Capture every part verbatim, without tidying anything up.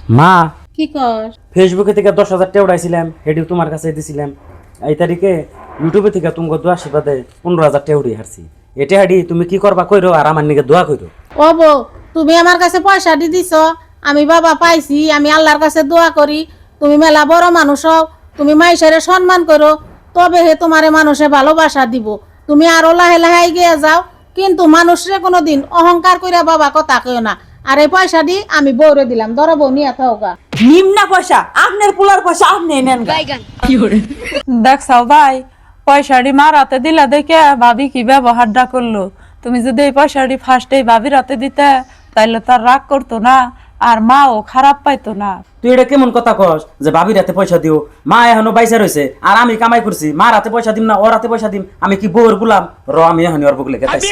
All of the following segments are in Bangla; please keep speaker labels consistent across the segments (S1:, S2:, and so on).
S1: মা
S2: কি কর?
S1: ফেসবুকে থেকে দশ হাজার টাকা উঠাইছিলাম, হেডিও তোমার কাছে দিছিলাম। এই তারিখে ইউটিউবে থেকে তুমি দোয়া আশীর্বাদে পনেরো হাজার টাকা উঠে হারছি। এটা হাডি তুমি কি করবা কইরো আর আমার নিকে দোয়া কইরো।
S2: ও বউ, তুমি আমার কাছে পয়সা দি দিছ, আমি বাবা পাইছি, আমি আল্লাহর কাছে দোয়া করি তুমি মেলা বড় মানুষ হও, তুমি মাইশারে সম্মান করো, তবে হে তোমারে মানুষে ভালোবাসা দিব। তুমি আরো লাহে লাহে এগিয়ে যাও, কিন্তু মানুষরে কোনোদিন অহংকার কইরা বাবা কথা কইও না। আর এই পয়সা দি আমি বউরে দিলাম, ধরো বউ নিয়ে থাকা।
S3: নিম্না পয়সা আপনার পোলার পয়সা আপনি নেন গা।
S4: দেখছাও ভাই, পয়সাটি মার হাতে দিলা দেখে ভাবি কি ব্যবহারটা করলো। তুমি যদি এই পয়সাটি ফার্স্টেই ভাবির হাতে দিতে তাইলে তার রাগ করতো না, আর মাও খারাপ পাইতো না।
S1: তুই এটা কেমন কথা কস যে ভাবির হাতে পয়সা দিও? মা এখনো বাইসা রয়েছে আর আমি কামাই করছি, মার হাতে পয়সা দিম না ওর হাতে পয়সা দিম? আমি কি বউর গুলাম? র আমি এখন ওর বুকলে গেতাছি।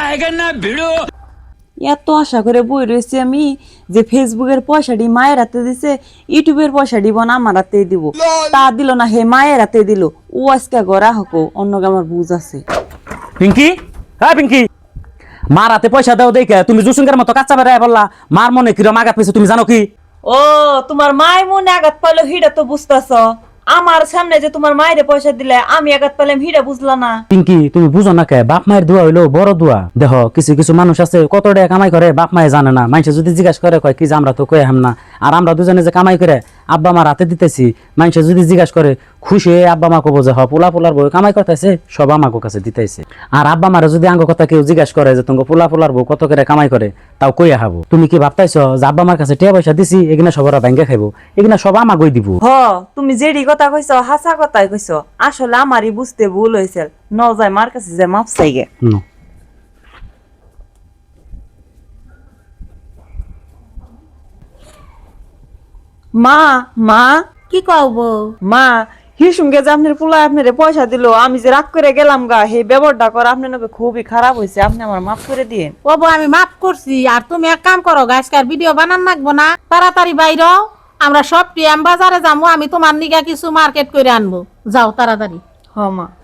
S3: এত আশা করে বই রয়েছি আমি যে ফেসবুকের পয়সাটি মায়ের হাতে দিছে, ইউটিউবের পয়সা দিব না আমার হাতে দিব, তা দিল না, হে মায়ের হাতে দিল। ও আজকে গড়া হকো অন্য আমার বুঝ আছে।
S1: পিঙ্কি, হ্যাঁ পিঙ্কি, মার হাতে পয়সা দাও দেখে তুমি জুসুঙ্গের মতো কাচ্চা বেড়ায় বললা। মার মনে কিরম আঘাত পেয়েছে তুমি জানো কি?
S3: ও তোমার মায় মনে আঘাত পাইলো হিডা তো বুঝতেছ, আমার সামনে যে তোমার মায়ের পয়সা দিলে আমি আঘাত পাইলাম হিডা বুঝলা না।
S1: পিঙ্কি তুমি বুঝো না কে, বাপ মায়ের দোয়া হইলো বড় দোয়া। দেখো কিছু কিছু মানুষ আছে কত টাকা কামাই করে বাপ মায়ে জানে না। মানুষে যদি জিজ্ঞাসা করে কয় কি যে আমরা তো কয়ে হাম না। আর আমরা দুজনে যে কামাই করে আব্বা মার হাতে দিতেছি, মানুষে যদি জিজ্ঞাসা করে খুশি হয়ে আব্বা মা কবো যে হ পোলা পোলার বউ কামাই করতেছে, সব আমাকে কাছে দিতেছে। আর আব্বা মারে যদি আঙ্গ কথা কেউ জিজ্ঞাসা করে যে তোমাকে পোলা পোলার বউ কত করে কামাই করে, তাও কইয়া হাবো। তুমি কি ভাবতাইছো যে আব্বা মার কাছে টাকা পয়সা দিছি এগুলা সবার ব্যাংকে খাইবো? এগুলা সব আমাকেই দিব।
S3: হ তুমি যেটি কথা কইছো হাসা কথাই কইছো, আসলে আমারই বুঝতে ভুল হয়েছে। ন যায় মার কাছে যে মাপ চাইগে।
S1: নো
S3: মা মা
S2: কি কও বউ?
S3: মা হিসুমকে যে আপনার পোলা আপনার পয়সা দিল, আমি যে রাগ করে গেলাম গা, হে ব্যবহারটা করা আপনার নাকি খুবই খারাপ হয়েছে, আপনি আমার মাফ করে দিন।
S2: ও বউ, আমি মাফ করছি। আর তুমি এক কাম করো, আজকাল ভিডিও বানান লাগবো না, তাড়াতাড়ি বাইর হও, আমরা সব টিএম বাজারে যাবো, আমি তোমার নিগা কিছু মার্কেট করে আনবো। যাও তাড়াতাড়ি।
S3: হ মা।